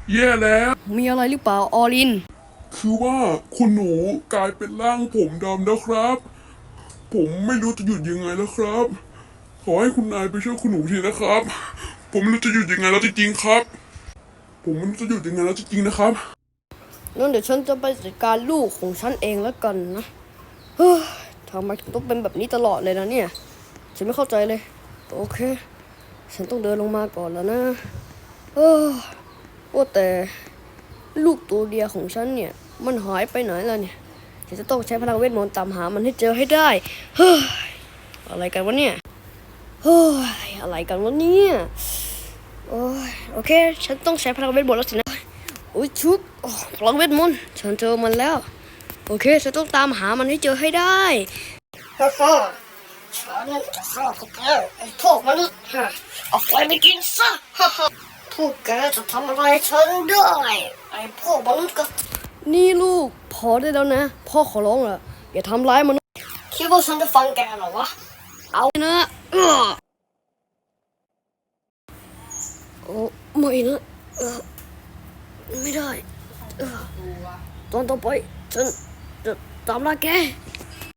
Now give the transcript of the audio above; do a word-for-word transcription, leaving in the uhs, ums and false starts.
แย่แล้วมีอะไรหรือเปล่าออลินคือว่าคุณหนูกลายเป็นร่างผมดำแล้วครับผมไม่รู้จะหยุดยังไงแล้วครับขอให้คุณนายไปช่วยคุณหนูทีนะครับผมไม่รู้จะหยุดยังไงแล้วจริงๆครับผมไม่รู้จะหยุดยังไงแล้วจริงๆนะครับงั้นเดี๋ยวฉันจะไปจัดการลูกของฉันเองแล้วกันนะเฮ้ยทำไมถึงต้องเป็นแบบนี้ตลอดเลยนะเนี่ยฉันไม่เข้าใจเลยโอเคฉันต้องเดินลงมาก่อนแล้วนะเออว่าแต่ลูกตัวเดียวของฉันเนี่ยมันหายไปไหนแล้วเนี่ยฉันจะต้องใช้พลังเวทมนต์ตามหามันให้เจอให้ได้เฮ้ยอะไรกันวะเนี่ยเฮ้ยอะไรกันวะเนี่ยโอ้ยโอเคฉันต้องใช้พลังเวทมนต์แล้วสินะโอ้ยชุบโอ้พลังเวทมนต์ฉันเจอมันแล้วโอเคฉันต้องตามหามันให้เจอให้ได้ฮ่าฮ่าฉันจะฆ่าพวกแกไอ้พวกมนุษย์ฮะเอาไฟไปกินซะฮ่าฮ่าพวกแกจะทำอะไรฉันได้ไอ้พวกมนุษย์ก็นี่ลูกพอได้แล้วนะพ่อขอร้องละอย่าทำร้ายมนุษย์คิดว่าฉันจะฟังแกเหรอวะเอานะเออโอ้ไม่นะเออไม่ได้เออตอนต่อไปฉันจะตามล่าแก